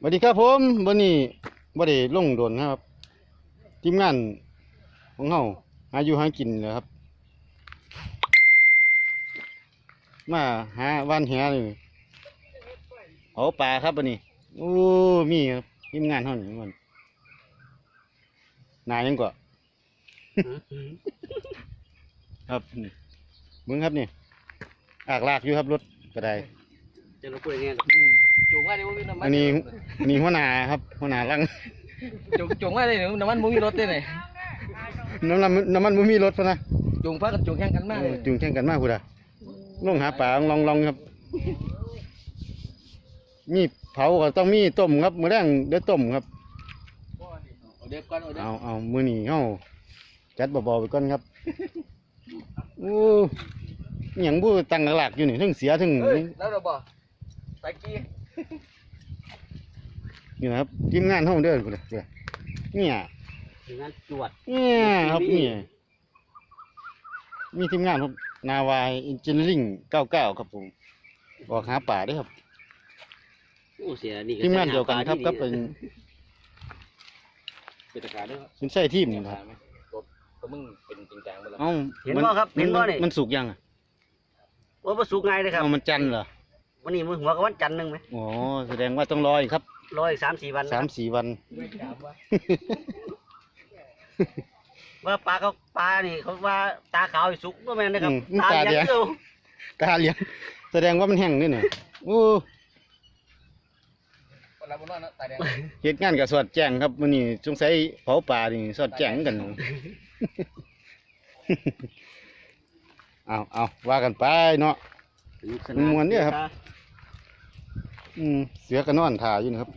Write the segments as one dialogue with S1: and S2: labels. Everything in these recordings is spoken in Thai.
S1: วัสดีครับผมวันนี้บ่ได้ลงโดนครับทีมงานของเฮาหาอยู่หากินเลยครับมาหาว่านแหนี่เผาปลาครับวันนี้โอ้มีครับทีมงานเฮานี่มันนายยังก็ครับมึงครับนี่อากลากอยู่ครับรถก็ได้
S2: จะรบกวนเนี่ยจุ่มว่าเดี๋ยวมีน้ำมัน
S1: อันนี้หัวหน้าครับหัวหน้าลัง
S2: จุ่มว่าเลยน้ำมันมุ้งมีรถได้ไหน
S1: น้ำมันบ่มีรถพะนะ
S2: จุ่มพักกับจุ่มแข่งกันมากเลย
S1: จุ่มแข่งกันมากคุณอ่ะลงหาปลาลองครับมีเผาก็ต้องมีต้มครับมื้อแรงเดี๋ยวต้มครับเอามื้อนี้เฮาจัดเบาๆไปก่อนครับโอ้หยังบ่ตั้งหลักอยู่นี่ทั้งเสียทั้ง
S2: แล้วเราบ่ตะกี้
S1: นี่นะครับทีมงานเฮาเด้อพุ่นน่ะเนี่ย
S2: ทีมงานจวด
S1: เนี่ยครับนี่มีทีมงานครับนาวายอินจิเนียริ่ง99ครับผมออกหาป่าด้วยครับ
S2: โอ้เสียนี่
S1: ทีมงานเดียวกันครับก็เป็น
S2: ตะการด้วย
S1: เป็นใช่ทีมนี่ครับ
S2: ก็มึงเป็นจริงจังไปแล้ว
S1: เห็นบ่ครับเห็นบ่นี่มันสุกยังอ่ะ
S2: ว่าบ่สุกไงเลยครับ
S1: มันจันเหรอ
S2: วันนี้มื้อหัวกับวันจันทร์นึงมั้ย
S1: อ๋อแสดงว่าต้องรออีกครับ
S2: รออีก 3-4 วัน
S1: 3-4 วัน
S2: ว่าปลานี่เขาว่าตาขาวสุกบ่แม่นนะครับตาเหลือง
S1: ตาเหลืองแสดงว่ามันแห้งนี่น่ะโอ้เหตุงานกับสอดแจ้งครับมื้อนี้สงสัยเผาปลานี่สอดแจ้งกันเอาว่ากันไปเนาะมวนเนี่ยครับเสือก็นอนถ่าอยู่นะครับ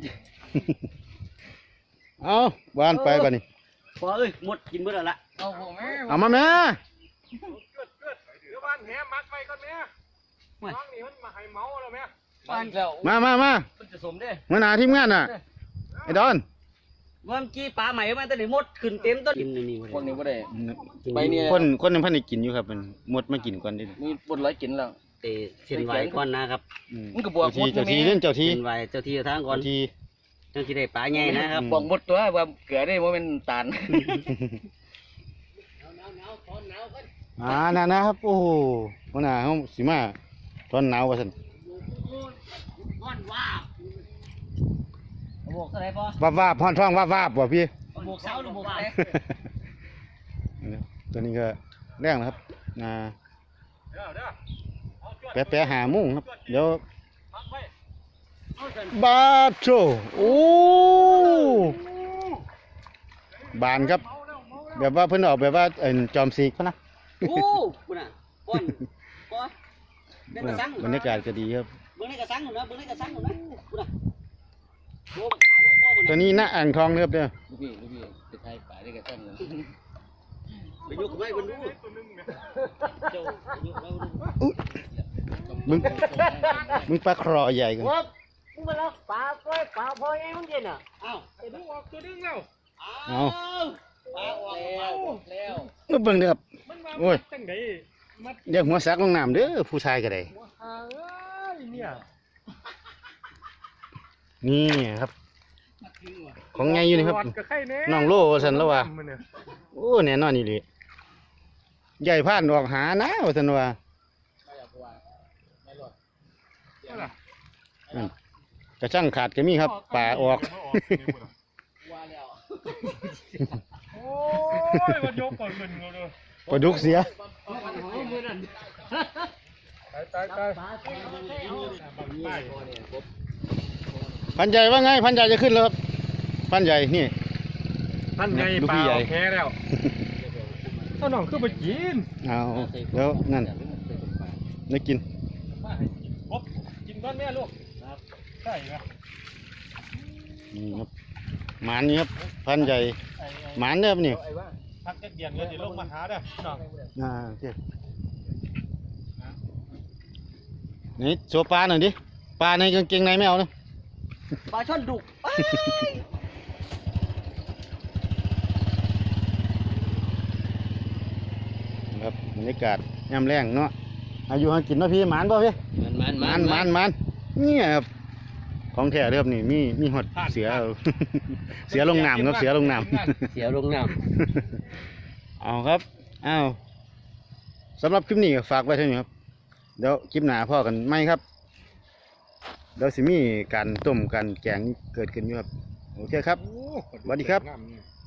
S1: เอาวานไปบัดนี้
S2: พอเอ้ยหมดกินเบิดแล้วล่ะ
S1: เอามาแม่
S3: เดี๋ยวบ้านแหมักไปก่อนแม่น้องนี่มันมาให้เมาแล้วแม่
S1: มา
S2: มันจะสมเด้
S1: มาหนาทีมงานน่ะไอ้ดอน
S2: เมื่อกี้ปลาใหม่มาแต่ไหนหมดขึ้นเต็มต้นกินนี่คนนี้บ่ได้
S1: ไปเนี่ยคนนึงพันได้กินอยู่ครับมันหมดมากินก่อนดิ
S2: มีบนร้อยกินแล้วเส้นไหวก่อนนะครับ
S1: มันก็บวกเจ้าทีเล่นเจ้าที
S2: เส้นไหวเจ้าทีทางก่อนเจ้าทีได้ปลาใหญ่นะครับบอกหมดตัวว่าเกลือได้โมเมนต์ตาล
S1: นะครับโอ้โหวันน่ะเขาสิมาตอนหนาวว่าสัน
S2: บวกอะไรปะ
S1: วาบพอนท้องวาบว่ะพี่
S2: บวกเสาหรือบวกอะไร
S1: ตัวนี้ก็แรงนะครับแปะหามุ่งครับเดี๋ยวบาโชโอ้บานครับแบบว่าเพิ่นออกแบบว่าจอมสีกพะนะ
S2: โอ้คุณอ่ะก้อน
S1: บรรยากาศก็ดีครับ
S2: เบื้องในกระสังหนูนะเบื้องในกระสังหนูนะคุณอ่ะ
S1: ตัวนี้หน้าอ่างทองเรียบเด้อ
S2: ลูกพี่ไปไทยป่าได้กระสังเลยไปยกไม้บนนู้นเจ้า
S1: มึงปลาครอใหญ่กัน
S2: มึงมาแล้วปลาพอไงมึงเย็นอ่ะอ้าว
S3: ตัวนึงออกตัวนึงแล้ว
S1: เอา
S2: ปลาออกแล้ว
S1: เบิ่งเด้อครับโอ้ยเดี๋ยวหัวซักลงน้ำเด้อผู้ชายก็ได้นี่ครับของไงอยู่นี่ครับน้องโลสันแล้วว่าโอ้แน่นอนนี่เลยใหญ่ผ่านออกหานะสันว่ากระช่างขาดก็มีครับป่าออก
S3: โอ้ยมันยกก่อนเงินเลย
S1: ปลาดุกเสีย
S3: ตาย
S1: พันใหญ่ว่าไงพันใหญ่จะขึ้นแล้วครับพันใหญ่นี่
S3: พันใหญ่ปลาแค่แล้วถ้าน้องขึ้นไปกิน
S1: เอาแล้วนั่นได้กิน
S3: กินก้อนแม่ลูกใช่ไหม
S1: นี่ครับหมานนี่ครับพันใหญ่หมานเนี่ยนี่
S3: พักเดียนเดี๋ยวลงมาหาเด้อน้อง
S1: โอเคนี่โชว์ปลาหน่อยดิปลาในกางเกงในไม่เอานะ
S2: ปลาช่อนดุ
S1: ครับบรรยากาศยามแรงเนาะอายุหากินเนาะพี่หมานป่ะพี่
S2: มัน
S1: นี่ครับขของแท้เด้อครับนี่มีฮอดเสือ เสือลงน้ำครับเสือลงน้ำ
S2: เสียลงน้
S1: เอาครับเอาสำหรับคลิปนี้ก็ฝากไว้เท่านี้ครับเดี๋ยวคลิปหน้าพ่อกันไหมครับเดี๋ยวสิมีการต้มการแกงเกิดขึ้นอยู่ครับโอเคครับ สวัสดีครับ
S3: น้ำ